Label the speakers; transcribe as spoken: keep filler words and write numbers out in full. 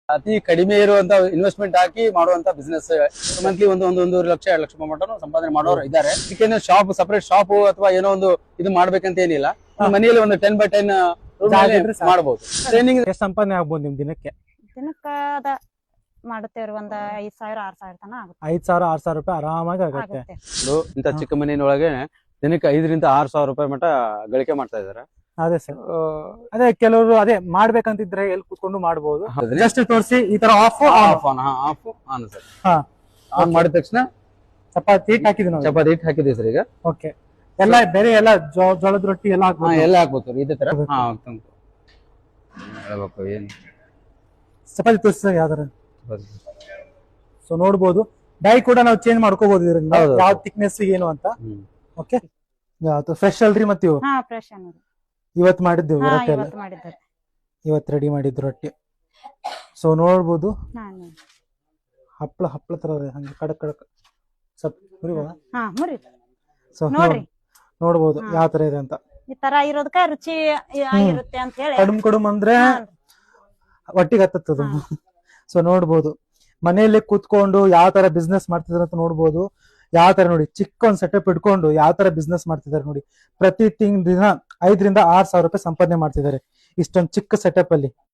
Speaker 1: ಅತಿ ಕಡಿಮೆ ಇರುವಂತ ಇನ್ವೆಸ್ಟ್ಮೆಂಟ್ ಹಾಕಿ ಮಾಡುವಂತ ಬಿಸ್ನೆಸ್. ಮಂತ್ಲಿ ಒಂದು ಒಂದು ಒಂದೂವರೆ ಲಕ್ಷ ಎರಡು ಲಕ್ಷ ಮಟನು ಸಂಪಾದನೆ ಮಾಡೋರು ಇದ್ದಾರೆ. ಇದಕ್ಕೆ ಶಾಪ್ ಸಪರೇಟ್ ಶಾಪ್ ಅಥವಾ ಏನೋ ಒಂದು ಇದು ಮಾಡ್ಬೇಕಂತ ಏನಿಲ್ಲ. ಮನೆಯಲ್ಲಿ ಒಂದು ಟೆನ್ ಬೈ ಟೆನ್ ಮಾಡಬಹುದು. ಟ್ರೈನಿಂಗ್
Speaker 2: ಎಷ್ಟು ಸಂಪಾದನೆ ಆಗ್ಬೋದು ನಿಮ್ ದಿನಕ್ಕೆ?
Speaker 3: ದಿನಕ್ಕ ಅದ ಮಾಡುತ್ತೇವ್ರಿ ಒಂದ್ ಐದ್ ಸಾವಿರ ಆರ್ ಸಾವಿರ ತನ ಆಗುತ್ತೆ.
Speaker 2: ಐದ್ ಸಾವಿರ ಆರ್ ಸಾವಿರ ರೂಪಾಯಿ ಆರಾಮಾಗಿ ಆಗುತ್ತೆ.
Speaker 1: ಇಂತ ಚಿಕ್ಕ ಮನೆಯೊಳಗೆ ದಿನಕ್ಕೆ ಐದರಿಂದ ಆರ್ ಸಾವಿರ ರೂಪಾಯಿ ಮಟ ಗಳಿಕೆ ಮಾಡ್ತಾ ಇದಾರೆ.
Speaker 2: ಅದೇ ಸರ್, ಅದೇ ಕೆಲವರು ಅದೇ ಮಾಡ್ಬೇಕಂತಿದ್ರೆ ಎಲ್ಲಿ ಕೂತ್ಕೊಂಡು ಮಾಡಬಹುದು. ಜಸ್ಟ್ ತೋರಿಸಿ ಈ ತರ off
Speaker 1: off on off on sir. On ಮಾಡಿದ ತಕ್ಷಣ
Speaker 2: ಚಪಾತಿ ಹಿಟ್ ಹಾಕಿದ್ವಿ ನಾವು.
Speaker 1: ಚಪಾತಿ ಹಿಟ್ ಹಾಕಿದ್ವಿ ಸರ್. ಈಗ
Speaker 2: ಓಕೆ, ಎಲ್ಲ ಬೇರೆ ಎಲ್ಲ ಜೋಳದ ರೊಟ್ಟಿ ಎಲ್ಲ ಹಾಕ್ಬೋದು.
Speaker 1: ಎಲ್ಲ ಹಾಕ್ಬೋದು ಇದೇ ತರ. ಹಾ ಹೇಳ್ಬೇಕು ಏನು
Speaker 2: ಚಪಾತಿ ತೋರಿಸಿದಾಗ ಯಾವ್ದಾರ ಸೊ ನೋಡ್ಬೋದು. ಡೈ ಕೂಡ ನಾವು ಚೇಂಜ್ ಮಾಡ್ಕೋಬಹುದು ಇದರಿಂದ, ಯಾವ ಥಿಕ್ನೆಸ್ ಏನು ಅಂತ. ಓಕೆ, ಫ್ರೆಶ್ ಅಲ್ರಿ ಮತ್ತೆ ಇವು?
Speaker 3: ಹಾ ಫ್ರೆಶ್ ಅನ್ನೋದು
Speaker 2: ಇವತ್ತು ಮಾಡಿದ್ದೀವಿ ರೊಟ್ಟಿ ಎಲ್ಲ.
Speaker 3: ಇವತ್ತು ಮಾಡಿದ್ದಾರೆ,
Speaker 2: ಇವತ್ತು ರೆಡಿ ಮಾಡಿದ್ದು ರೊಟ್ಟಿ. ಸೊ ನೋಡ್ಬೋದು,
Speaker 3: ಹಾ
Speaker 2: ಹಪ್ಪಳ ಹಪ್ಪಳ ತರ ಹಂಗೆ ಕಡಕ್ ಕಡಕ್ ಸ್ವಲ್ಪ ಮುರಿಬೋದ?
Speaker 3: ಹಾ ಮುರಿ.
Speaker 2: ಸೊ
Speaker 3: ನೋಡ್ರಿ
Speaker 2: ನೋಡ್ಬೋದು ಯಾವ ತರ ಇದೆ ಅಂತ.
Speaker 3: ಈ ತರ ಇರೋದಕ್ಕ ರುಚಿ ಆಗಿರುತ್ತೆ ಅಂತ ಹೇಳಿ.
Speaker 2: ಕಡುಮ್ ಕಡುಮ್ ಅಂದ್ರೆ ಒಟ್ಟಿಗೆ ಹತ್ತದ. ಸೊ ನೋಡ್ಬೋದು ಮನೆಯಲ್ಲೇ ಕೂತ್ಕೊಂಡು ಯಾವ ತರ ಬಿಸ್ನೆಸ್ ಮಾಡ್ತಿದಾರೆ ಅಂತ ನೋಡ್ಬೋದು. ಯಾವ ತರ ನೋಡಿ, ಚಿಕ್ಕ ಒಂದ್ ಸೆಟಪ್ ಇಟ್ಕೊಂಡು ಯಾವ ತರ ಬಿಸ್ನೆಸ್ ಮಾಡ್ತಿದ್ದಾರೆ ನೋಡಿ. ಪ್ರತಿ ತಿಂಗ್ ದಿನ ಐದರಿಂದ ಆರ್ ಸಾವಿರ ರೂಪಾಯಿ ಸಂಪಾದನೆ ಮಾಡ್ತಿದ್ದಾರೆ ಇಷ್ಟೊಂದು ಚಿಕ್ಕ ಸೆಟಪ್ ಅಲ್ಲಿ.